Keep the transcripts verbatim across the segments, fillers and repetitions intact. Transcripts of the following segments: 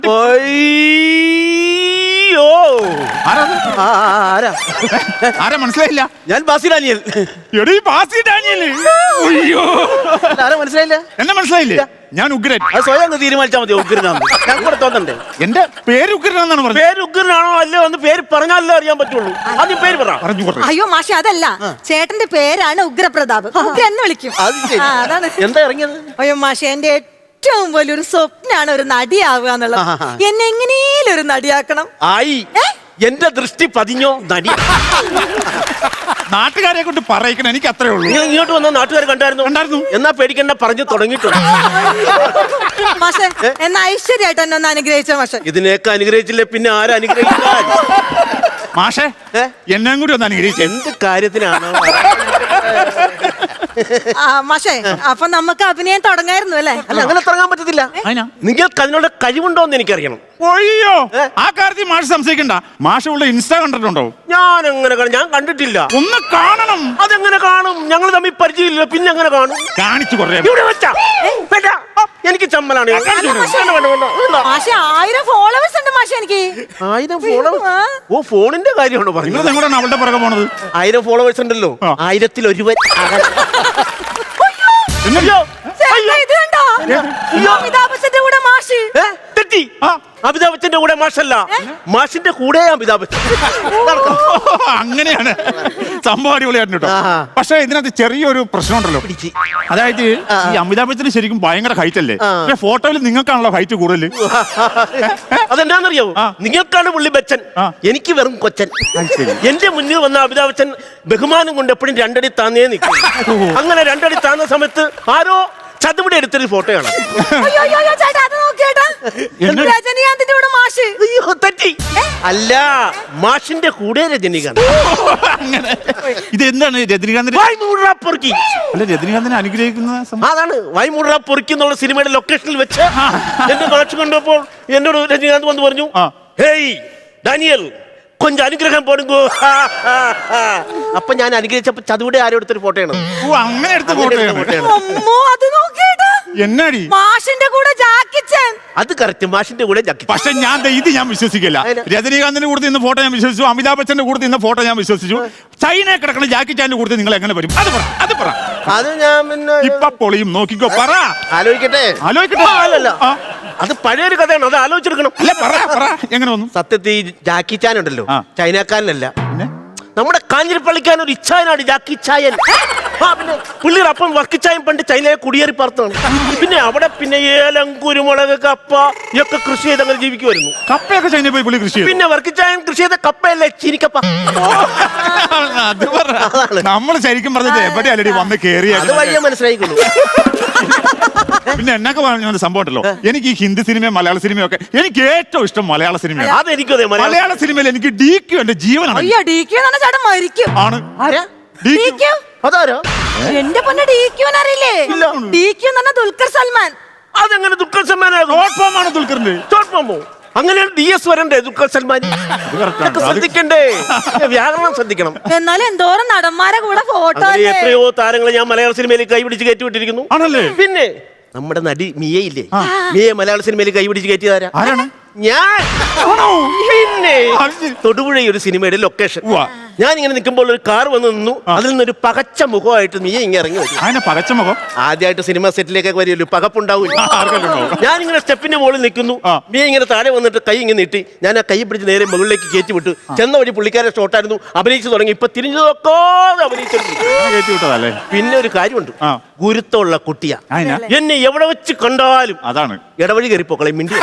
ആരാ മനസ്സിലായില്ല? ഞാൻ ബാസി ഡാനിയൽ. എടീ ബാസി ഡാനിയൽ. അയ്യോ ആരാ മനസ്സിലായില്ല? എന്നെ മനസ്സിലായില്ലേ? ഞാൻ ഉഗ്രൻ. അത് സ്വയം അങ്ങ് തീരുമാനിച്ചാൽ മതി. ഉഗ്രനാണ് ഞാൻ കൂടെ തോന്നണ്ടേ? എന്റെ പേര് ഉഗ്രനാണെന്നാണ് പറഞ്ഞത്. പേര് ഉഗ്രനാണോ അല്ലയോ എന്ന് പേര് പറഞ്ഞാലേ അറിയാൻ പറ്റുള്ളൂ. ആദ്യം പേര് പറ. അയ്യോ മാഷെ അതല്ല, ചേട്ടന്റെ പേരാണ് ഉഗ്രപ്രതാപ്. ഉഗ്രൻ എന്ന് വിളിക്കും. അതാണ് എന്താ ഇറങ്ങിയത്? അയ്യോ മാഷെ എന്റെ ഏറ്റവും വലിയൊരു സ്വപ്നാണ് ഒരു നടിയാവുക എന്നുള്ളത്. എന്നെ എങ്ങനെയും ഒരു നടിയാക്കണം. ആയി എന്റെ ദൃഷ്ടി പതിഞ്ഞോ നടി. നാട്ടുകാരെ കൊണ്ട് പറയിക്കണം, എനിക്ക് അത്രേ ഉള്ളൂ. നിങ്ങൾ ഇങ്ങോട്ട് വന്ന നാട്ടുകാർ കണ്ടായിരുന്നു? കണ്ടായിരുന്നു. എന്നാ പേടിക്കണ്ട, പറഞ്ഞു തുടങ്ങിയിട്ടുണ്ട്. മാഷെ എന്നാ ഐശ്വര്യമായിട്ട് എന്നെ ഒന്ന് അനുഗ്രഹിച്ച മാഷെ. ഇതിനെയൊക്കെ അനുഗ്രഹിച്ചില്ലേ പിന്നെ ആരും അനുഗ്രഹിക്കാൻ? മാഷെ എന്നെ കൂടി ഒന്ന് അനുഗ്രഹിച്ചു. എന്ത് കാര്യത്തിനാണ് മാഷെ? അപ്പൊ നമുക്ക് അഭിനയം തുടങ്ങായിരുന്നു അല്ലേ? അല്ല, അങ്ങനെ തുടങ്ങാൻ പറ്റത്തില്ല. നിങ്ങൾക്ക് അതിനുള്ള കഴിവുണ്ടോ എന്ന് എനിക്കറിയണം. ഒയ്യോ, ആ കാര്യത്തിൽ മാഷ് സംശയിക്കണ്ട. മാഷ് ഉള്ള ഇൻസ്റ്റാ കണ്ടിട്ടുണ്ടോ? ഞാൻ എങ്ങനെ ഞാൻ കണ്ടിട്ടില്ല. ഒന്ന് കാണണം. അതെങ്ങനെ കാണും? ഞങ്ങൾ തമ്മിൽ പരിചയമില്ല, പിന്നെ എങ്ങനെ കാണും? കാണിച്ചു കൊറേ. ഇവിടെ വെച്ചാ എനിക്ക് ചമ്മലാണ്. മാഷെ ആയിരം ഫോളോവേഴ്സ് ഉണ്ട് മാഷെ. എനിക്ക് ആയിരം ഫോളോവേഴ്സ്? ഓ, ഫോണിന്റെ കാര്യമാണോ പറഞ്ഞത്? നിങ്ങളാണ് അവളുടെ പുറകെ പോണത്. ആയിരം ഫോളോവേഴ്സ് ഉണ്ടല്ലോ, ആയിരത്തിൽ ഒരുവൻ. തെറ്റി. അമിതാഭ് ബച്ചന്റെ കൂടെ മാഷല്ല, മാഷിന്റെ കൂടെ അമിതാഭ് ബച്ചൻ. അങ്ങനെയാണ് സംഭവം. അടിപൊളിയായിരുന്നു കേട്ടോ. പക്ഷെ ഇതിനകത്ത് ചെറിയൊരു പ്രശ്നമുണ്ടല്ലോ. അതായത് ഈ അമിതാഭ് ബച്ചന് ശരിക്കും ഭയങ്കര ഹൈറ്റ് അല്ലേ? പക്ഷെ ഫോട്ടോയിൽ നിങ്ങൾക്കാണല്ലോ ഹൈറ്റ് കൂടുതൽ. അതെന്താണെന്നറിയാവോ? നിങ്ങൾക്കാണ് പുള്ളി ബച്ചൻ, എനിക്ക് വെറും കൊച്ചൻ. എന്റെ മുന്നിൽ വന്ന അമിതാഭ് ബച്ചൻ ബഹുമാനം കൊണ്ട് എപ്പോഴും രണ്ടടി താന്നേ നിൽക്കും. അങ്ങനെ രണ്ടടി താന്ന സമയത്ത് ആരോ ചതുവിടെ എടുത്തൊരു ഫോട്ടോയാണ്. തെറ്റി. അല്ല, മാഷിന്റെ കൂടെ രജനീകാന്ത്. ഇത് എന്താണ് രജനീകാന്ത്? അല്ല, രജനീകാന്തിനെ അനുഗ്രഹിക്കുന്ന അതാണ് വൈമൂട പൊറുക്കി എന്നുള്ള സിനിമയുടെ ലൊക്കേഷനിൽ വെച്ച് എന്റെ കാഴ്ച കണ്ടപ്പോൾ എന്നോട് രജനീകാന്ത് വന്ന് പറഞ്ഞു, ഹേയ് ഡാനിയൽ കൊഞ്ചം അനുഗ്രഹം പോടുങ്കോ. അപ്പൊ ഞാൻ അനുഗ്രഹിച്ചപ്പോ ചതുവിടെ ആരോ എടുത്തൊരു ഫോട്ടോയാണ്. അങ്ങനെ എടുത്ത ഫോട്ടോയാണ്. എന്നാടി മാഷിന്റെ കൂടെ ജാക്കിച്ചൻ? അത് കറക്റ്റ്, മാഷിന്റെ കൂടെ ജാക്കി. പക്ഷെ ഞാൻ ഇത് ഞാൻ വിശ്വസിക്കില്ല. രജനീകാന്തിന്റെ കൂടെ നിന്ന ഫോട്ടോ ഞാൻ വിശ്വസിച്ചു, അമിതാഭ് ബച്ചന്റെ കൂടെ നിന്ന ഫോട്ടോ ഞാൻ വിശ്വസിച്ചു. ചൈന കിടക്കുന്ന ജാക്കി ചാന്റെ കൂടെ നിങ്ങൾ എങ്ങനെ വരും? അത് പറ, അത് പറ. അത് ഞാൻ പിന്നെ ഇപ്പൊ പൊളിയും, നോക്കിക്കോ. പറ, ആലോചിക്കട്ടെ. ആലോചിക്കട്ടെ. അല്ലല്ല, അത് പഴയൊരു കഥയാണ്, അത് ആലോചിച്ചെടുക്കണം. അല്ല, പറ, പറ. എങ്ങനെ വന്നു? സത്യത്തിൽ ജാക്കി ചാൻ ഉണ്ടല്ലോ, ചൈനക്കാരനല്ല, നമ്മുടെ കാഞ്ഞിരപ്പള്ളിക്കാൻ ഒരു ഇച്ഛായനാണ് ജാക്കി ചായൻ. പിന്നെ പുള്ളിയുടെ അപ്പം വർക്കിച്ചായം പണ്ട് ചൈനയെ കുടിയേറി പാർത്താണ്. പിന്നെ അവിടെ പിന്നെ ഏലം, കുരുമുളക്, കപ്പ ഒക്കെ കൃഷി ചെയ്ത് അങ്ങനെ ജീവിക്കുമായിരുന്നു. കപ്പയൊക്കെ ചൈനയിൽ പോയി പുള്ളി കൃഷി ചെയ്തു. പിന്നെ വർക്കിച്ചായം കൃഷി ചെയ്ത കപ്പയല്ലേ ചീനിക്കപ്പ. നമ്മൾ ശരിക്കും പറഞ്ഞത് എവിടെയല്ലേ വന്ന് കേറിയ അത് വഴിയെ മനസ്സിലായിക്കൊള്ളു. പിന്നെ എന്നൊക്കെ പറഞ്ഞ സംഭവം ഉണ്ടല്ലോ, എനിക്ക് ഈ ഹിന്ദി സിനിമയും മലയാള സിനിമയും ഒക്കെ എനിക്ക് ഏറ്റവും ഇഷ്ടം മലയാള സിനിമയാണ്. അതെനിക്കും അതെ. മലയാള സിനിമയിൽ എനിക്ക് ഡി ക്യു എന്റെ ജീവനാണ്. ആണ് അതാരോ? എന്റെ പൊന്നെ ഡി ക്യു അറിയില്ലേ? ഡി ക്യു എന്ന് പറഞ്ഞാൽ ദുൽഖർ സൽമാൻ. അതെങ്ങനെ ദുൽഖർ സൽമാൻ? ദുൽഖറിന്റെ അങ്ങനെ ഡി എസ് വരണ്ടേ ദുൽഖർ സൽമാൻ? ശ്രദ്ധിക്കണ്ടേ, വ്യാകരണം ശ്രദ്ധിക്കണം. എന്നാലും എന്തോരം നടന്മാരെ കൂടെ ഫോട്ടോ. എത്രയോ താരങ്ങളെ ഞാൻ മലയാള സിനിമയിൽ കൈപിടിച്ച് കയറ്റിവിട്ടിരിക്കുന്നു. ആണല്ലേ? പിന്നെ നമ്മുടെ നടി മിയയില്ലേ, മിയെ മലയാള സിനിമയിൽ കൈപിടിച്ച് കയറ്റിയതാരാ? ഞാൻ. പിന്നെ തൊടുപുഴ ഒരു സിനിമയുടെ ലൊക്കേഷൻ. ഞാൻ ഇങ്ങനെ നിൽക്കുമ്പോൾ ഒരു കാർ വന്ന് നിന്നു. അതിൽ നിന്നൊരു പകച്ച മുഖമായിട്ട് നീ ഇങ്ങനെ ഇറങ്ങി വരും. പകച്ച മുഖം ആദ്യമായിട്ട് സിനിമ സെറ്റിലേക്കൊക്കെ വരുമല്ലോ, പകപ്പുണ്ടാവില്ല. ഞാനിങ്ങനെ സ്റ്റെപ്പിന്റെ മുകളിൽ നിൽക്കുന്നു. നീ ഇങ്ങനെ താഴെ വന്നിട്ട് കൈ ഇങ്ങനെ നീട്ടി ഞാൻ ആ കൈ പിടിച്ച് നേരെ മുകളിലേക്ക് കയറ്റി വിട്ടു. ചെന്ന വഴി പുള്ളിക്കാരെ ഷോട്ടായിരുന്നു, അഭിനയിച്ചു തുടങ്ങി. ഇപ്പൊ തിരിഞ്ഞു നോക്കാതെ അഭിനയിച്ചു. പിന്നെ ഒരു കാര്യമുണ്ട്, ഗുരുത്തമുള്ള കുട്ടിയാ. എന്നെ എവിടെ വെച്ച് കണ്ടാലും അതാണ് ഇടവഴി കയറിപ്പോക്കളെ മിണ്ടി.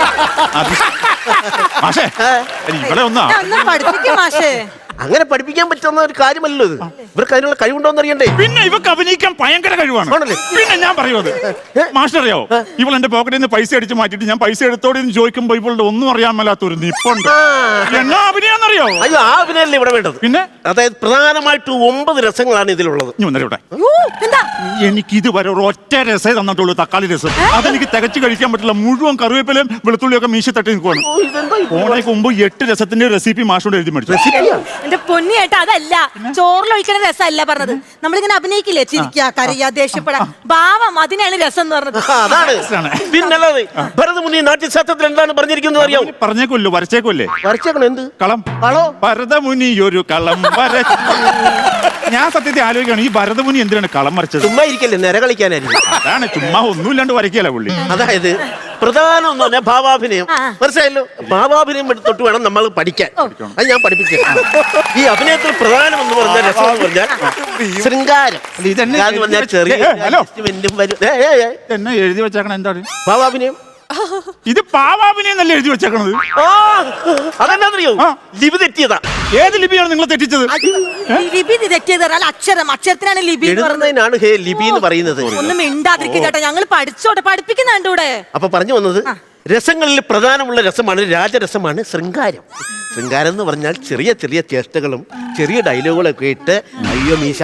അങ്ങനെ പഠിപ്പിക്കാൻ പറ്റുന്ന ഒരു കാര്യമല്ലോ ഇത്. ഇവർക്ക് അതിനുള്ള കഴിവുണ്ടോന്ന് അറിയണ്ടേ? പിന്നെ ഇവർക്ക് അഭിനയിക്കാൻ ഭയങ്കര കഴിവാണ്. പിന്നെ ഞാൻ പറയുന്നത് മാസ്റ്റർ അറിയാവോ, ഇവൾ എന്റെ പോക്കറ്റിൽ നിന്ന് പൈസ അടിച്ച് മാറ്റിട്ട് ഞാൻ പൈസ എടുത്തോടെന്ന് ചോദിക്കുമ്പോ ഇവളുടെ ഒന്നും അറിയാൻ മേലാത്തൊരു നിപ്പുണ്ട്. എന്നാ അഭിനയാന്നറിയോ? അയ്യോ, ആ അഭിനയല്ലേ ഇവിടെ വേണ്ടത്. പിന്നെ അതായത് പ്രധാനമായിട്ട് ഒമ്പത് രസങ്ങളാണ് ഇതിലുള്ളത്. എനിക്ക് ഇതുവരെ ഒരു ഒറ്റ രസേ തന്നിട്ടുള്ളൂ, തക്കാളി രസം. അതെനിക്ക് തികച്ചു കഴിക്കാൻ പറ്റില്ല. മുഴുവൻ കറിവേപ്പിലയും വെളുത്തുള്ളിയൊക്കെ മീശ തട്ടി നിൽക്കുവാണ്. ഓണയ്ക്ക് മുമ്പ് എട്ട് രസത്തിന്റെ റെസിപ്പി മാഷോട് എഴുതി മേടിച്ചു. എന്റെ പൊന്നിയേട്ടാ അതല്ല ചോറിലൊഴിക്കണ രസമല്ല പറഞ്ഞത്. നമ്മളിങ്ങനെ അഭിനയിക്കില്ലേ, ചിരിക്കാ കരയാ ദേഷ്യപ്പെടാ ഭാവം, അതിനാണ് രസം എന്ന് പറഞ്ഞത്. ആ, അതാണ് പിന്നല്ലാതെ ഭരതമുനി നാട്യശാസ്ത്രത്തിൽ എന്താണ് പറഞ്ഞിരിക്കുന്നത് അറിയാം? പറഞ്ഞേക്കുമല്ലോ, വരച്ചേക്കുമല്ലേ? വരച്ചേക്കണം എന്ത് കളം കളോ? ഭരതമുനി ഒരു കളം വരച്ചു. ഞാൻ സത്യത്തെ ആലോചിക്കുകയാണ്, ഈ ഭരതമുനി എന്തിനാണ് കളം വരച്ചത്? ചുമ്മാ ഇരിക്കല്ലേ, നിര കളിക്കാനായിരിക്കും. അതാണ്, ചുമ്മാ ഒന്നുമില്ലാണ്ട് വരയ്ക്കല പുള്ളി. അതായത് പ്രധാനം എന്ന് പറഞ്ഞാൽ ഭാവാഭിനയം. മനസ്സിലായല്ലോ? ഭാവാഭിനയം തൊട്ട് വേണം നമ്മൾ പഠിക്കാൻ. അത് ഞാൻ പഠിപ്പിച്ചു. ഈ അഭിനയത്തിൽ പ്രധാനം എന്ന് പറഞ്ഞാൽ രസം എന്ന് പറഞ്ഞാൽ ശൃംഗാരം. ഇതെന്ന് പറഞ്ഞാൽ ചെറിയ എന്നെ എഴുതി വെച്ചേക്കണ എന്താണ്? ഭാവാഭിനയം. ഇത് പാവാഭിനയം എന്നല്ലേ എഴുതി വെച്ചേക്കണത്? അതെന്നറിയോ? ലിപി തെറ്റിയതാ. ഏത് ലിപിയാണ് നിങ്ങൾ തെറ്റിച്ചത്? ലിപി തെറ്റിയത് അക്ഷരം, അക്ഷരത്തിനാണ് ലിപി എഴുതുന്നതിനാണ് ഹേ ലിപി എന്ന് പറയുന്നത്. ഒന്നും മിണ്ടാതിരിക്കുക ചേട്ടാ, ഞങ്ങൾ പഠിച്ചോട്ടെ, പഠിപ്പിക്കുന്നുണ്ട് ഇവിടെ. അപ്പൊ പറഞ്ഞു വന്നത്, രസങ്ങളിൽ പ്രധാനമുള്ള രസമാണ് രാജരസമാണ് ശൃംഗാരം. ശൃംഗാരം എന്ന് പറഞ്ഞാൽ ചെറിയ ചെറിയ ചേഷ്ടകളും ചെറിയ ഡയലോഗുകളൊക്കെ ഇട്ട് അയ്യോ മീശ.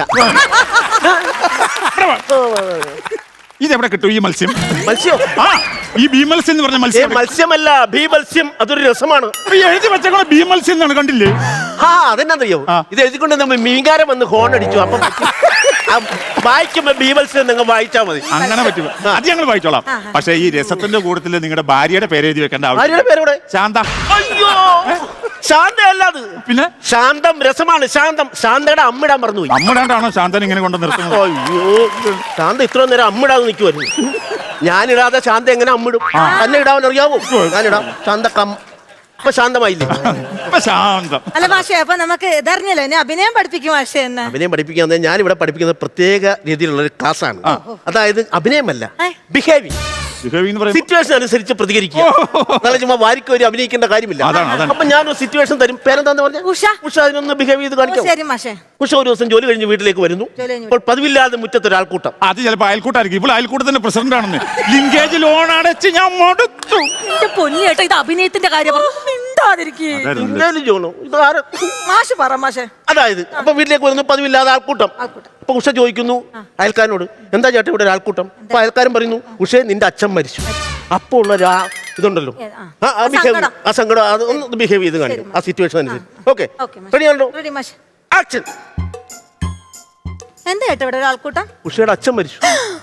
ഇതെവിടെ കിട്ടും ഈ മത്സ്യം? മത്സ്യം? ആ, ഈ ബീമത്സ്യം എന്ന് പറഞ്ഞ മത്സ്യം. മത്സ്യമല്ല, ബീമത്സ്യം. അതൊരു രസമാണ്. എഴുതി വെച്ചേക്കണ ബീമത്സ്യം എന്നാണ്, കണ്ടില്ലേ? ആ, അതെന്നറിയോ? ഇത് എഴുതിക്കൊണ്ട് നമ്മൾ മീൻകാരൻ വന്ന് ഹോൺ അടിച്ചു. അപ്പൊ വായിക്കുമ്പോ ബീമത്സ്യം നിങ്ങൾ വായിച്ചാ മതി. അങ്ങനെ പറ്റും, അത് ഞങ്ങൾ വായിച്ചോളാം. പക്ഷെ ഈ രസത്തിന്റെ കൂട്ടത്തിൽ നിങ്ങളുടെ ഭാര്യയുടെ പേര് എഴുതി വെക്കേണ്ട ആവശ്യം. ഭാര്യയുടെ പേരോടെ? ശാന്ത. അയ്യോ, ശാന്ത അല്ലാത്. പിന്നെ ശാന്തം രസമാണ്. ശാന്തം. ശാന്തയുടെ അമ്മിടാൻ മറന്നുപോയി. അമ്മിടാണ്ടാണോ ശാന്തൻ ഇങ്ങനെ കൊണ്ട് നിർത്തുന്നത്? അയ്യോ, ശാന്ത ഇത്ര നേരം അമ്മിടാതെ നിൽക്കുമായിരുന്നു. ഞാനിടാതെ ശാന്ത എങ്ങനെ അമ്മിടും? തന്നെ ഇടാൻ അറിയാവോ? ഞാനിടാം. ശാന്ത കം. ഇപ്പൊ ശാന്തമായില്ലേ? ഇപ്പൊ ശാന്തം. അല്ല മാഷേ, അപ്പൊ നമുക്ക് ഇതറിഞ്ഞല്ലോ, എന്നെ അഭിനയം പഠിപ്പിക്കും മാഷേ. എന്നെ അഭിനയം പഠിപ്പിക്കാൻ ഞാൻ ഇവിടെ പഠിപ്പിക്കുന്നത് പ്രത്യേക രീതിയിലുള്ള ഒരു ക്ലാസ്സാണ്. അതായത് അഭിനയമല്ല, ബിഹേവിയർ. സിറ്റുവേഷൻ അനുസരിച്ച് പ്രതികരിക്കുക. നാളെ ചുമ്മാ വാരിക്ക് ഒരു അഭിനയിക്കേണ്ട കാര്യമില്ല. അപ്പൊ ഞാനൊരു സിറ്റുവേഷൻ തരും. പേരെന്താന്ന് പറഞ്ഞാൽ ഉഷ. ഉഷ അതിനൊന്ന് ബിഹേവ് ചെയ്ത് കാണിക്കാം. ശരി മാഷേ. ഉഷ ഒരു ദിവസം ജോലി കഴിഞ്ഞ് വീട്ടിലേക്ക് വരുന്നു. അപ്പോൾ പതിവില്ലാതെ മുറ്റത്ത് ഒരാൾക്കൂട്ടം. അത് ചിലപ്പോ അയൽക്കൂട്ടായിരിക്കും. ഇപ്പോൾ അയൽക്കൂട്ടത്തിന്റെ പ്രസിഡന്റ് ആണെന്ന്. ലിങ്കേജ് ലോൺ അടച്ച് ഞാൻ മടുത്തു. എന്റെ പൊന്നി കേട്ടോ, ഇത് അഭിനയത്തിന്റെ കാര്യം. അതായത് അപ്പൊ വീട്ടിലേക്ക് വരുന്നു പതിവില്ലാതെ ആൾക്കൂട്ടം. അപ്പൊ ഉഷ ചോദിക്കുന്നു അയൽക്കാരനോട്, എന്താ ചേട്ടാ ഇവിടെ ഒരാൾക്കൂട്ടം? അപ്പൊ അയൽക്കാരൻ പറയുന്നു, ഉഷേ നിന്റെ അച്ഛൻ മരിച്ചു. അപ്പൊ ഉള്ള ഇതുണ്ടല്ലോ, ആ സങ്കടം, അത് ഒന്ന് ബിഹേവ് ചെയ്ത് കാണിക്കും ആ സിറ്റുവേഷൻ അനുസരിച്ച്. ഓക്കെ, റെഡിയാണല്ലോ? ആക്ഷൻ. എന്താ ചേട്ടാ ഇവിടെ ഒരാൾക്കൂട്ടം? ഉഷയുടെ അച്ഛൻ മരിച്ചു.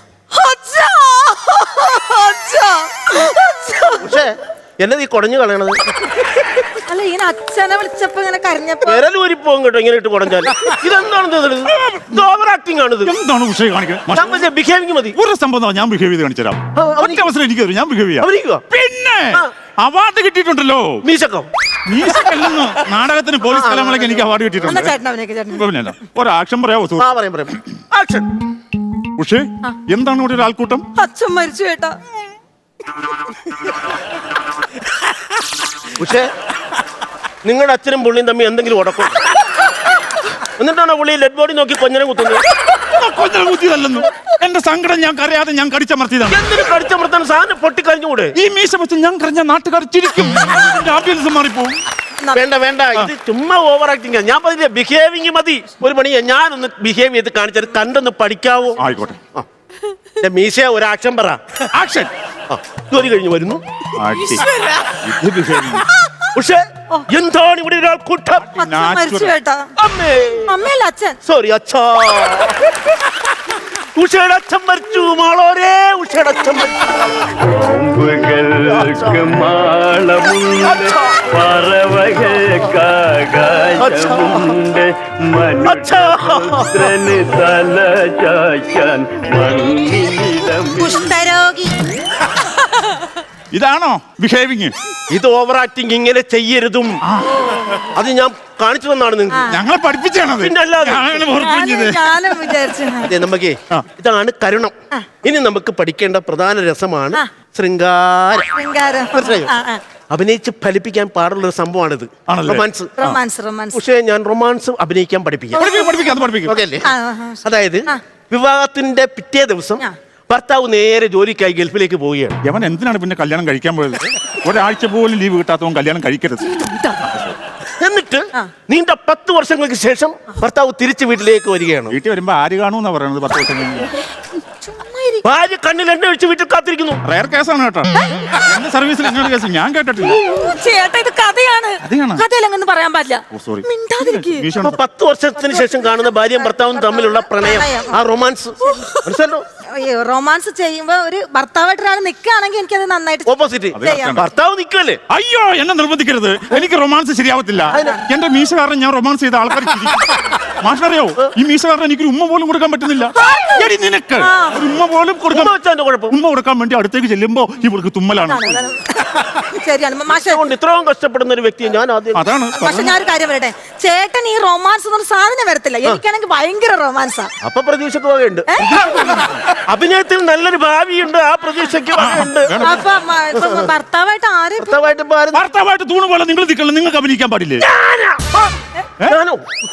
ഉഷേ എന്നത് ഈ കുടഞ്ഞു കളയണത്? അല്ല, ഇങ്ങനെ അച്ഛനെ വിളിച്ചപ്പോ ഇങ്ങനെ കരഞ്ഞപ്പോ വിരലൂരിപ്പോകും കേട്ടോ ഇങ്ങനെ ഇട്ട് കുടഞ്ഞാൽ. ഇതെന്താണ്? ഓവർ ആക്ടിംഗ് ആണിത്. എന്താണ് ഉഷയെ കാണിക്കുന്നത്? ബിഹേവിംഗ് മതി. ഒരു സംഭവം ഞാൻ ബിഹേവ് ചെയ്ത് കാണിച്ചു തരാം. ഒറ്റ അവസരം എനിക്ക് തരും, ഞാൻ ബിഹേവ് ചെയ്യാം. പിന്നെ അവാർഡ് കിട്ടിയിട്ടുണ്ടല്ലോ മീശക്കം. മീശക്കല്ലെന്ന് നാടകത്തിന് പോലീസ് കലാമേളയ്ക്ക് എനിക്ക് അവാർഡ് കിട്ടിയിട്ടുണ്ട്. ഒരു ആക്ഷൻ പറയാമോ? ഉഷേ, എന്താണ് ഇവിടെ ഒരു ആൾക്കൂട്ടം? അച്ഛൻ മരിച്ചു കേട്ടാ. പക്ഷേ നിങ്ങളുടെ അച്ഛനും പുള്ളിയും തമ്മിൽ എന്തെങ്കിലും ഉടക്കും? എന്നിട്ടാണോ പുള്ളി ഡെഡ് ബോഡി നോക്കി കൊഞ്ഞനെ കുത്തുന്നത്? കൊഞ്ഞനെ കുത്തിയതല്ലെന്നു. എന്റെ സങ്കടം ഞാൻ കരയാതെ ഞാൻ കടിച്ചമർത്തിയതാണ്. എന്തിനു കടിച്ചമർത്താൻ? സാധനം പൊട്ടിക്കഴിഞ്ഞുകൂടെ? ഈ മീശ വെച്ച് ഞാൻ കരഞ്ഞ നാട്ടുകാർ ചിരിക്കും, ആംബിയൻസ് മാറിപ്പോവും. വേണ്ട വേണ്ട, ഇത് ചുമ്മാ ഓവർ ആക്ടിങ്. ഞാൻ പറഞ്ഞില്ലേ ബിഹേവിംഗ് മതി. ഒരു പണി ഞാനൊന്ന് ബിഹേവ് ചെയ്ത് കാണിച്ചാൽ കണ്ടൊന്ന് പഠിക്കാവോ? ആയിക്കോട്ടെ. മീശ ഒരു ആക്ഷൻ പറ. ആക്ഷൻ. ജോലി കഴിഞ്ഞ് വരുന്നു. പക്ഷേ എന്താണ് ഇവിടെ ഒരാൾ കൂട്ടം? സോറി അച്ഛാ, ഉഷയുടെ അച്ഛൻ മരിച്ചു. മാളോരേ, ഉഷയുടെ അച്ഛൻ മരിച്ചു. കുഷ്ഠരോഗി. ഇതാണോ ബിഹേവിങ്? ഇത് ഓവർ ആക്ടിങ്. ഇങ്ങനെ ചെയ്യരുതും. അത് ഞാൻ കാണിച്ചു തന്നാണ് നിങ്ങൾക്ക്. ഞങ്ങളെ പഠിപ്പിച്ചാണത്. നമുക്ക് ഇതാണ് കരുണം. ഇനി നമുക്ക് പഠിക്കേണ്ട പ്രധാന രസമാണ് ശൃംഗാരം. അഭിനയിച്ച് ഫലിപ്പിക്കാൻ പാടുള്ള ഒരു സംഭവമാണിത്. റൊമാൻസ്. പക്ഷേ ഞാൻ റൊമാൻസ് അഭിനയിക്കാൻ പഠിപ്പിക്കാം. അതായത് വിവാഹത്തിന്റെ പിറ്റേ ദിവസം ഭർത്താവ് നേരെ ജോലിക്കായി ഗൾഫിലേക്ക് പോവുകയാണ്. അവൻ എന്തിനാണ് പിന്നെ കല്യാണം കഴിക്കാൻ പോയത്? ഒരാഴ്ച പോലും ലീവ് കിട്ടാത്തവൻ കല്യാണം കഴിക്കരുത്. എന്നിട്ട് നീണ്ട പത്ത് വർഷങ്ങൾക്ക് ശേഷം ഭർത്താവ് തിരിച്ച് വീട്ടിലേക്ക് വരികയാണ്. വീട്ടിൽ വരുമ്പോ ആര് കാണൂന്നാ പറയുന്നത്? പത്ത് വർഷം കഴിഞ്ഞ് ഭാര്യ കണ്ണിൽ എണ്ണ ഒഴിച്ച് വീട്ടിൽ കാത്തിരിക്കുന്നു. റയർ കേസാണ് കേട്ടോ. എന്റെ സർവീസിൽ ഇങ്ങനെ കേസ് ഞാൻ കേട്ടിട്ടില്ല. ഓ, ചേട്ടാ ഇത് കഥയാണ്. കഥയാണോ? കഥയിലങ്ങനെ പറയാൻ പാടില്ല. ഓ, സോറി. മിണ്ടാതിരിക്ക്. അപ്പൊ പത്ത് വർഷത്തിന് ശേഷം കാണുന്ന ഭാര്യയും ഭർത്താവും തമ്മിലുള്ള പ്രണയം, ആ റൊമാൻസ് മനസ്സിലോ? റൊമാൻസ് ചെയ്യുമ്പോ ഒരു ഭർത്താവായിട്ട് ഒരാൾ നിൽക്കുകയാണെങ്കിൽ എനിക്കത് നന്നായിട്ട് ഓപ്പോസിറ്റ് ചെയ്യാം. ഭർത്താവ് നിൽക്കുമല്ലേ? അയ്യോ എന്നെ നിർബന്ധിക്കരുത്. എനിക്ക് റൊമാൻസ് ശരിയാവത്തില്ല. എന്റെ മീശ കാരണം ഞാൻ റൊമാൻസ് ചെയ്ത ആൾക്കാർ മാഷറിയോ ഈ മീശ കാരണം എനിക്കൊരു ഉമ്മ പോലും കൊടുക്കാൻ പറ്റുന്നില്ല. എടി നിനക്ക് ഒരു ഉമ്മ പോലും കൊടുക്കാൻ കുഴപ്പം ഉമ്മ കൊടുക്കാൻ വേണ്ടി അടുത്തേക്ക് ചെല്ലുമ്പോ ഇവർക്ക് തുമ്മലാണ്. ശരിയാണ് മാഷെ. അതുകൊണ്ട് ഇത്രയും കഷ്ടപ്പെടുന്ന ഒരു വ്യക്തിയെ ഞാൻ ആദ്യം. അതാണ്. പക്ഷെ ഞാൻ ഒരു കാര്യം പറയട്ടെ, ചേട്ടൻ ഈ റൊമാൻസ് എന്നൊരു സാധനം വരത്തില്ല. എനിക്കാണെങ്കിൽ ഭയങ്കര റൊമാൻസാ. അപ്പൊ പ്രതീക്ഷക്ക് വകയുണ്ട്. അഭിനയത്തിൽ നല്ലൊരു ഭാവിയുണ്ട്, ആ പ്രതീക്ഷയ്ക്ക് വകയുണ്ട്. അപ്പൊ മ- ഇപ്പൊ ഭർത്താവായിട്ട് ആരെ ഭർത്താവായിട്ട് ഭാര്യ- ഭർത്താവായിട്ട് തൂണ് പോലെ നിങ്ങൾ നിൽക്കണം. നിങ്ങൾക്ക് അഭിനയിക്കാൻ പാടില്ലേ? ഞാനോ?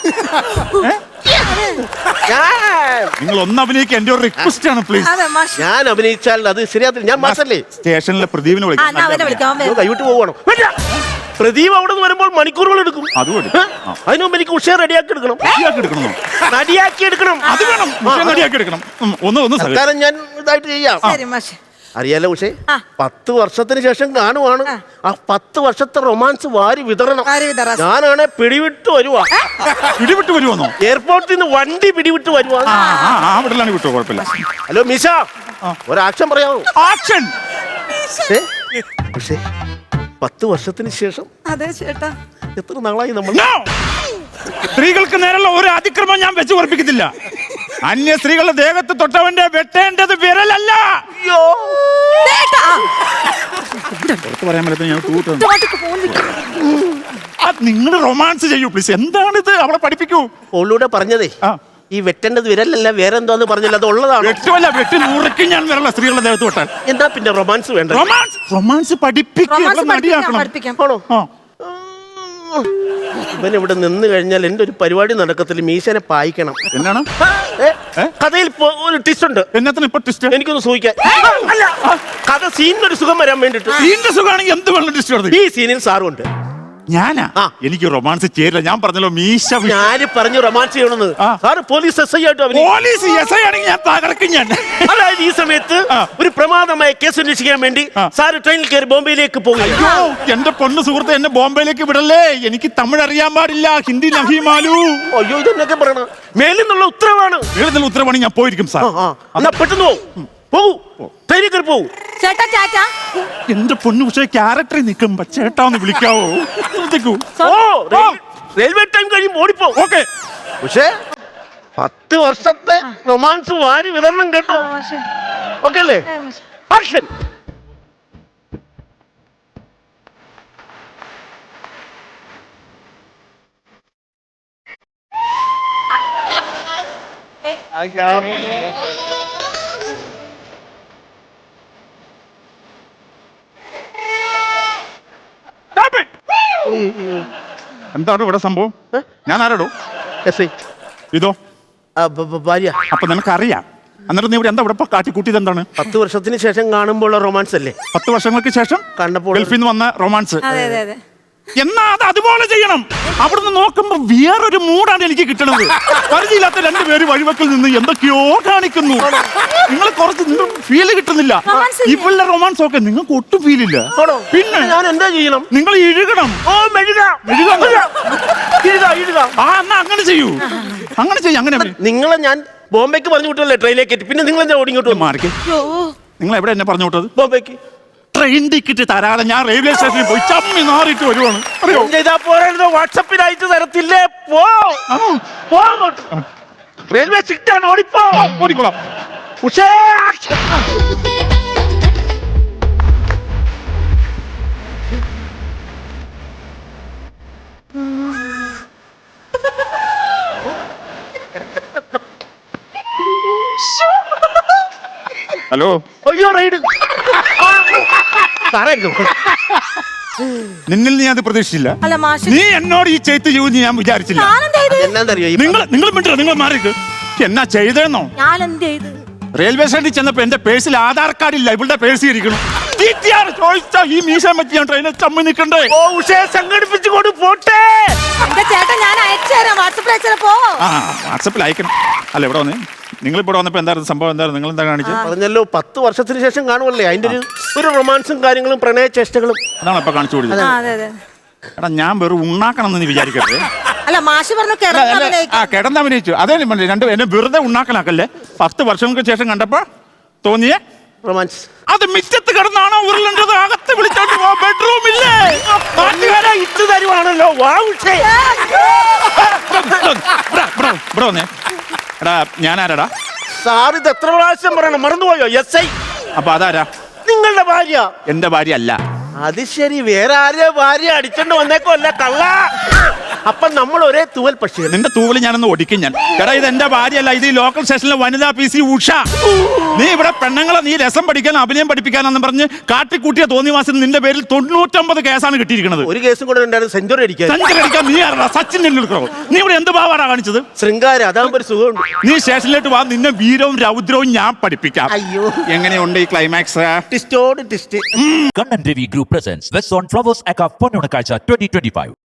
ഞാൻ നിങ്ങൾ ഒന്ന് അഭിനയിക്കാൻ എന്റെ ഒരു റിക്വസ്റ്റ് ആണ് പ്ലീസ്. അതെ മാഷ്. ഞാൻ അഭിനയിച്ചാൽ അത് ശരിയാത്തില്ല. ഞാൻ മാസല്ലേ സ്റ്റേഷനിലെ പ്രദീപിനെ ആ, വിളിക്കാം. എന്നാ അവനെ വിളിക്കാം. അവൻ വരും. കൈവിട്ട് പോവാണോ? വേണ്ട. പ്രദീപ് അവിടെ നിന്ന് വരുമ്പോൾ മണിക്കൂറുകൾ എടുക്കും. അതുകൊണ്ട് ഏ? അതിനു മുമ്പ് എനിക്ക് ഉഷയെ റെഡിയാക്കി എടുക്കണം. റെഡിയാക്കി എടുക്കണോ? റെഡിയാക്കി എടുക്കണം. അത് വേണം. ഉഷയെ റെഡിയാക്കി എടുക്കണം. ഉം, ഒന്ന് ഒന്ന് സഹ- കാരണം ഞാൻ ഇതായിട്ട് ചെയ്യാം. ശരി മാഷ്. അറിയാലോ ഉഷേ, ആ. പത്ത് വർഷത്തിന് ശേഷം കാണുവാണ്. ആ. ആ പത്ത് വർഷത്തെ റൊമാൻസ് വാരി വിതരണം. ആര് വിതറാ? ഞാനാണെ പിടിവിട്ട് വരുവാ. പിടിവിട്ട് വരുമോന്നോ? എയർപോർട്ടിൽ നിന്ന് വണ്ടി പിടിവിട്ട് വരുവാ. ആ ആ ആ വിടലാണ് വിട്ടോ, കുഴപ്പമില്ല. ഹലോ മിഷ, ഒരു ആക്ഷൻ പറയാമോ? ആക്ഷൻ. ഏ? പക്ഷേ പത്ത് വർഷത്തിന് ശേഷം അതെ ചേട്ടാ. എത്ര നാളായി നമ്മൾ? No! സ്ത്രീകൾക്ക് നേരെയുള്ള ഒരു അതിക്രമം ഞാൻ വെച്ച് ഉറപ്പിക്കത്തില്ല. അന്യ സ്ത്രീകളുടെ ദേഹത്ത് തൊട്ടവന്റെ വെട്ടേണ്ടത് വിരലല്ല. അയ്യോ, ചേട്ടാ. പുറത്ത് പറയാൻ പറ്റുന്ന ഞാൻ തൂട്ടുന്നു. ഇങ്ങോട്ടേക്ക് ഫോൺ വെക്ക്. നിങ്ങൾ റൊമാൻസ് ചെയ്യൂ പ്ലീസ്. എന്താണിത്? അവളെ പഠിപ്പിക്കൂ. ഓളൂടെ പറഞ്ഞതേ ആ. ഈ വെട്ടേണ്ടത് വിരലല്ല വേറെ എന്തോന്ന് പറഞ്ഞില്ല, അത് ഉള്ളതാണ്. വെട്ടുമല്ല, വെട്ടി നൂറയ്ക്ക് ഞാൻ വരല്ല സ്ത്രീകളുടെ ദേഹത്ത് തൊട്ടാൽ. എന്താ പിന്നെ റൊമാൻസ് വേണ്ട? റൊമാൻസ് റൊമാൻസ് പഠിപ്പിക്കുക, റൊമാൻസ് പഠിപ്പിക്കാം, നടിയാക്കണം. പഠിപ്പിക്കാം. ആണോ? ആ. ഇവൻ ഇവിടെ നിന്ന് കഴിഞ്ഞാൽ എന്റെ ഒരു പരിപാടി നടക്കത്തില്ല. മീശനെ പായിക്കണം. എന്നാണ് ഏ? ഏ? കഥയിൽ പോ- ഒരു ട്വിസ്റ്റ് ഉണ്ട്. എന്നത്തിന് ഇപ്പൊ ടിസ്റ്റ്? എനിക്കൊന്ന് സൂഹിക്കാൻ. അല്ല, കഥ സീനിനൊരു സുഖം വരാൻ വേണ്ടിട്ട്. സീന്റെ സുഖമാണെങ്കിൽ എന്ത് വെള്ളം ടിസ്റ്റ് കൊടുത്തു? ഈ സീനിൽ സാറുണ്ട്. ഞാനാ? ആ. എനിക്ക് റൊമാൻസ് ചേരില്ല. ഞാൻ പറഞ്ഞല്ലോ മീശ വി- ഞാന് പറഞ്ഞു റൊമാൻസ് ചെയ്യണമെന്ന്. ആ. സാറ് പോലീസ് എസ് ഐ ആയിട്ട് അഭിനയിക്കും. പോലീസ് എസ് ഐ ആണെങ്കിൽ ഞാൻ തകർക്കും ഞാൻ. അതായത് ഈ സമയത്ത് ആ. ഒരു പ്രമാദമായ കേസ് അന്വേഷിക്കാൻ വേണ്ടി ആ. സാറ് ട്രെയിനിൽ കയറി ബോംബെയിലേക്ക് പോകും. അയ്യോ എന്റെ പൊണ്ണു സുഹൃത്ത്, എന്നെ ബോംബെയിലേക്ക് വിടല്ലേ. എനിക്ക് തമിഴ് അറിയാൻ പാടില്ല, ഹിന്ദി നഹിമാലു. അയ്യോ, ഇതെന്നൊക്കെ പറയണം. മേലിൽ നിന്നുള്ള ഉത്തരവാണ്. എഴുതുന്ന ഉത്തരവാണി ഞാൻ പോയിരിക്കും സാർ. ആ, ആ. എന്നാ പെട്ടെന്ന് പോകും. പോകൂ, ട്രെയിനിൽ കയറി പോകൂ. ചേട്ടാ ചേട്ടാ. എന്റെ പൊന്നു പക്ഷേ ക്യാരക്ടറിൽ നിൽക്കുമ്പോ ചേട്ടാന്ന് വിളിക്കാവോ? ശ്രദ്ധിക്കൂ. ഓ, റെയിൽ- റെയിൽവേ ടൈം കഴിയും ഓടിപ്പോ. ഓക്കെ. പക്ഷേ പത്ത് വർഷത്തെ റൊമാൻസ് വാരി വിതരണം കേട്ടോ. ഓക്കെ അല്ലേ? ആക്ഷൻ. Stop it! എന്താണ് ഇവിടെ സംഭവം? ഞാൻ ആരോടോ? S I. ഇതോ ആ, ഭ- ഭ- ഭാര്യ. അപ്പൊ നിനക്കറിയാം. എന്നിട്ട് നീ ഇവിടെ എന്താ ഇവിടെ കാട്ടിക്കൂട്ടിയത് എന്താണ്? പത്ത് വർഷത്തിന് ശേഷം കാണുമ്പോൾ റൊമാൻസ് അല്ലേ? പത്ത് വർഷങ്ങൾക്ക് ശേഷം കണ്ടപ്പോൾ ഗൾഫിൽ നിന്ന് വന്ന റൊമാൻസ്. അതെ അതെ അതെ. എന്നാ അത് അതുപോലെ ചെയ്യണം. അവിടുന്ന് നോക്കുമ്പോ വേറൊരു മൂടാണ് എനിക്ക് കിട്ടണത്. പരിചയമില്ലാത്ത രണ്ടുപേര് വഴിവെക്കിൽ നിന്ന് എന്തൊക്കെയോ കാണിക്കുന്നു. നിങ്ങൾ കുറച്ച് നിങ്ങൾ ഫീല് കിട്ടുന്നില്ല. റൊമാൻസ് ഇല്ലേ? ഇവളുടെ റൊമാൻസ് ഒക്കെ നിങ്ങൾക്ക് ഒട്ടും ഫീലില്ല. ആണോ? പിന്നെ ഞാൻ എന്താ ചെയ്യണം? നിങ്ങൾ ഇഴുകണം. ഓ, മെഴുക. മെഴുകാൻ ഇഴുക, ഇഴുക. ആ എന്നാ അങ്ങനെ ചെയ്യൂ. അങ്ങനെ ചെയ്യും. അങ്ങനെ നിങ്ങളെ ഞാൻ ബോംബെക്ക് പറഞ്ഞു വിട്ടല്ലേ ട്രെയിനിലേക്ക് കയറ്റി. പിന്നെ നിങ്ങൾ എന്താ ഓടിങ്ങോട്ട് മാറിക്ക്. അയ്യോ. നിങ്ങൾ എവിടെ എന്നെ പറഞ്ഞു വിട്ടത്? ബോംബെക്ക് ട്രെയിൻ ടിക്കറ്റ് തരാതെ ഞാൻ റെയിൽവേ സ്റ്റേഷനിൽ പോയി ചമ്മി നാറിയിട്ട് വരുവാണ്. അറിയോ? ചെയ്താ പോരായിരുന്നു. വാട്സപ്പിൽ അയച്ചു തരത്തില്ലേ? പോ, ആണോ? പോ അങ്ങോട്ട്. റെയിൽവേ സിറ്റാണ്, ഓടിപ്പോ. ഓടിക്കോളാം. ഉഷേ, ആക്ഷൻ. ഹലോ. അയ്യോ, റൈഡ്. സാറേ, നിന്നിൽ നീ അത് പ്രതീക്ഷിച്ചില്ല. അല്ല മാഷ്. നീ എന്നോട് ഈ ചെയ്ത്ത് ചെയ്യുമെന്ന് ഞാൻ വിചാരിച്ചില്ല. ഞാനെന്ത് ചെയ്ത്? എന്നാന്നറിയോ ഈ നിങ്ങൾ നിങ്ങൾ മിണ്ടോ? നിങ്ങൾ മാറിക്ക്. എന്നാ ചെയ്തേന്നോ? ഞാൻ എന്ത് ചെയ്ത്? റെയിൽവേ സ്റ്റേഷനിൽ ചെന്നപ്പോ എന്റെ പേഴ്സിൽ ആധാർ കാർഡ് ഇല്ല. ഇവളുടെ പേഴ്സ് ഇരിക്കണം. ചോദിച്ചാ ഈ മീശാൻ പറ്റി ഞാൻ ട്രെയിനിൽ ചമ്മി നിൽക്കണ്ടേ? ഓ, ഉഷേ സംഘടിപ്പിച്ചു കൊണ്ട് പോട്ടെ. എന്റെ ചേട്ടൻ ഞാൻ അയച്ചു തരാം. വാട്സപ്പിൽ അയച്ചു തരാം. പോ. ആ വാട്സപ്പിൽ അയക്കണം. അല്ല ഇവിടെ വന്നേ. നിങ്ങളിപ്പോൾ വന്നപ്പോ എന്തായിരുന്നു സംഭവം? എന്തായിരുന്നു നിങ്ങൾ എന്താ കാണിച്ചത്? പറഞ്ഞല്ലോ പത്ത് വർഷത്തിന് ശേഷം കാണുമല്ലേ, അതിന്റെ ഒരു ഒരു റൊമാൻസും കാര്യങ്ങളും പ്രണയ ചേഷ്ടകളും അതാണ് ഇപ്പൊ കാണിച്ചു കൊടുത്തത്. ആ, അതെ അതെ. എടാ ഞാൻ വെറും ഉണ്ണാക്കണം എന്ന് വിചാരിക്കട്ടെ. അല്ല മാഷ് പറഞ്ഞു അല്ല, അല്ല, ആ കിടന്ന് അഭിനയിച്ചു അതേ പറഞ്ഞേ, രണ്ട് എന്നെ വെറുതെ ഉണ്ണാക്കലാക്കല്ലേ. പത്ത് വർഷങ്ങൾക്ക് ശേഷം കണ്ടപ്പോ തോന്നിയേ റൊമാൻസ്. അത് മിറ്റത്ത് കിടന്നാണോ ഉരുളേണ്ടത്? അകത്ത് വിളിച്ചോണ്ട് പോ, ബെഡ്റൂം ഇല്ലേ? ഇട്ട് തരുവാണല്ലോ. ഇവിടെ വന്നേ. എടാ ഞാൻ ആരാടാ? സാർ ഇത് എത്ര പ്രാവശ്യം പറയണം, മറന്നുപോയോ? S I. അപ്പൊ അതാരാ? നിങ്ങളുടെ ഭാര്യ. എന്റെ ഭാര്യ അല്ല. അത് ശരി, വേറെ ആരെയോ ഭാര്യ അടിച്ചോണ്ട് വന്നേക്കോ അല്ല കള്ള. അപ്പൊ നമ്മൾ ഒരേ തൂവൽ പക്ഷി. നിന്റെ തൂവല് ഞാനൊന്ന് ഒടിക്കും ഞാൻ. എടാ ഇത് എന്റെ ഭാര്യയല്ല, ഇത് ഈ ലോക്കൽ സ്റ്റേഷനിലെ വനിതാ പി സി ഉഷ. നീ ഇവിടെ പെണ്ണുങ്ങളെ നീ രസം പഠിക്കാൻ അഭിനയം പഠിപ്പിക്കാനെന്ന് പറഞ്ഞ് കാട്ടിക്കൂട്ടിയ തോന്നിവാസം നിന്റെ പേരിൽ തൊണ്ണൂറ്റൊമ്പത് കേസാണ് കിട്ടിയിരിക്കുന്നത്. ഒരു കേസും കൂടെ ഉണ്ടായിരുന്നു, സെഞ്ചുറി അടിക്കാൻ. സെഞ്ചുറി അടിക്കാൻ നീ ആരാ? സച്ചിൻ ടെണ്ടുൽക്കറോ? നീ ഇവിടെ എന്ത് ഭാവാടാ കാണിച്ചത്? ശൃംഗാരം, അതാകുമ്പോ ഒരു സുഖമുണ്ട്. നീ സ്റ്റേഷനിലേക്ക് വാ, നിന്നെ വീരവും രൗദ്രവും ഞാൻ പഠിപ്പിക്കാം. അയ്യോ, എങ്ങനെയുണ്ട് ഈ ക്ലൈമാക്സ്? ടിസ്റ്റോട് twist. Kannan Devi Group presents West on Flowers Aka Ponnonakazha twenty twenty-five.